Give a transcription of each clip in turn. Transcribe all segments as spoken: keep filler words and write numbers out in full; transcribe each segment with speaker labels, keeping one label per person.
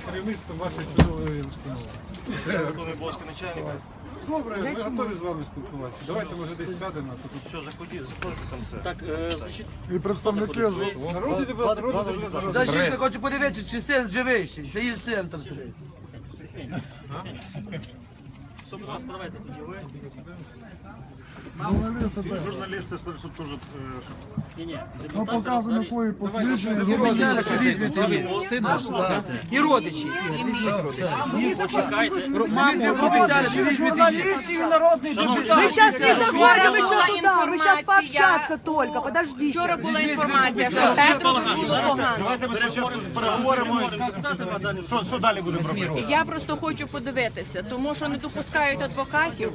Speaker 1: керівництво вашої чудової установи. Добре, ми готові з вами спілкуватися. Давайте, може, десь сядемо.
Speaker 2: Все, заходіть, заходите там все.
Speaker 3: Так, е, значить,
Speaker 4: І представники ж.
Speaker 1: Народний депутат, народний депутат.
Speaker 5: Защитник хоче подивитися, чи син живий ще. Це її син там сидить.
Speaker 3: все, будь ласка, давайте тоді ви.
Speaker 4: Журналісти теж.
Speaker 2: Журналісти, щоб теж...
Speaker 3: Ні, ні,
Speaker 4: Ну, показуємо свої посвідчення.
Speaker 5: Обіцяли, що візьмете її. Сина,
Speaker 6: І родичі.
Speaker 3: почекайте.
Speaker 5: маму обіцяли, що візьмете її.
Speaker 3: Народний
Speaker 6: Мы сейчас не заходим еще туда, мы сейчас пообщаться только, подождите.
Speaker 7: Вчора була інформація, що тебе
Speaker 2: Давайте ми спочатку переговоримо, що, що далі будемо робити.
Speaker 7: я просто хочу подивитися, тому що не допускають адвокатів.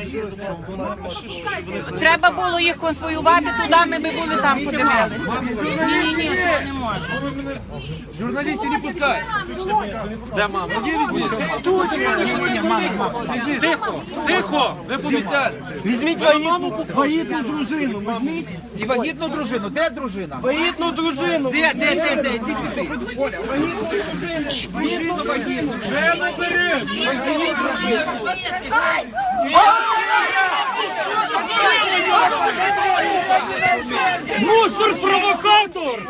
Speaker 7: Треба було їх конвоювати туди, ми би були там подивилися. Ні, ні, ні, це не можна.
Speaker 5: Журналістів не пускають.
Speaker 3: Де мама?
Speaker 5: Тихо, тихо. Ви пообіцяли.
Speaker 8: Візьміть вагітну, вагітну дружину, візьміть.
Speaker 6: І вагітну дружину, де дружина?
Speaker 8: Вагітну дружину.
Speaker 6: Де, де, де, де, іди сюди. Вагітну вагітну.
Speaker 5: Де не береш? Мустор провокатор!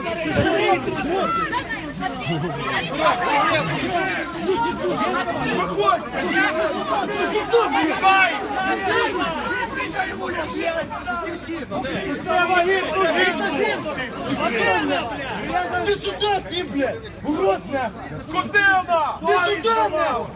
Speaker 8: Ти сюди, ти, блядь! Урод, нахуй!
Speaker 5: Скотина!
Speaker 8: Ти сюди, нахуй!